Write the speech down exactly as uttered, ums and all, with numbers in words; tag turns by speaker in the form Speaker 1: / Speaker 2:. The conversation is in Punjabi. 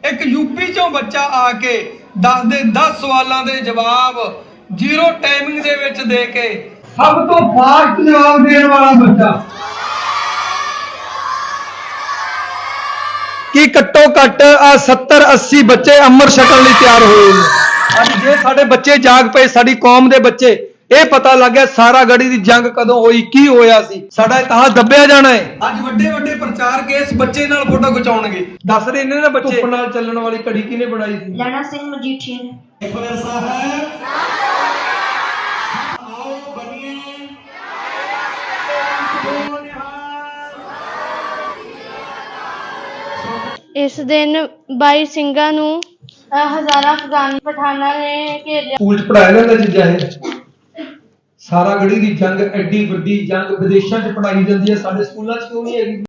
Speaker 1: एक यूपी चों बच्चा आके दस दे दस सवालों के जवाब जीरो टाइमिंग दे विच दे के सब तो फास्ट जवाब देने वाला बच्चा कि घट्टो घट आ सत्तर अस्सी बच्चे अमर छकण लई तैयार होए ने। अज जे साडे बच्चे जाग पे साडी कौम दे बच्चे ਇਹ ਪਤਾ ਲੱਗ ਗਿਆ ਸਾਰਾ ਗੜੀ ਦੀ ਜੰਗ ਕਦੋਂ ਹੋਈ ਕੀ ਹੋਇਆ ਸੀ ਸਾਡਾ ਇਤਿਹਾਸ ਦੱਬਿਆ ਜਾਣਾ ਹੈ। ਅੱਜ ਵੱਡੇ ਵੱਡੇ ਪ੍ਰਚਾਰਕ ਇਸ ਬੱਚੇ ਨਾਲ ਫੋਟੋ ਖਿਚਾਉਣਗੇ ਦੱਸ ਰਹੇ ਨੇ ਨਾ ਬੱਚੇ ਧੁੱਪ ਨਾਲ ਚੱਲਣ ਵਾਲੀ ਘੜੀ ਕਿਹਨੇ ਬਣਾਈ ਸੀ
Speaker 2: ਲੈਣਾ ਸਿੰਘ ਮਜੀਠੀਆ ਨੇ।
Speaker 3: ਆਓ ਬਣੀਏ
Speaker 4: ਇਸ ਦਿਨ ਬਾਈ ਸਿੰਘਾਂ ਨੂੰ ਹਜ਼ਾਰਾਂ ਅਫਗਾਨ ਪਠਾਨਾਂ ਨੇ ਘੇਰਿਆ।
Speaker 1: ਸਕੂਲ ਚ ਪੜਾਇਆ ਜਾਂਦਾ ਚੀਜ਼ਾਂ ਇਹ ਸਾਰਾ ਗੜੀ ਦੀ ਜੰਗ ਐਡੀ ਵੱਡੀ ਜੰਗ ਵਿਦੇਸ਼ਾਂ ਚ ਪੜਾਈ ਜਾਂਦੀ ਹੈ ਸਾਡੇ ਸਕੂਲਾਂ ਚ ਕਿਉਂ ਨਹੀਂ ਹੈਗੀ।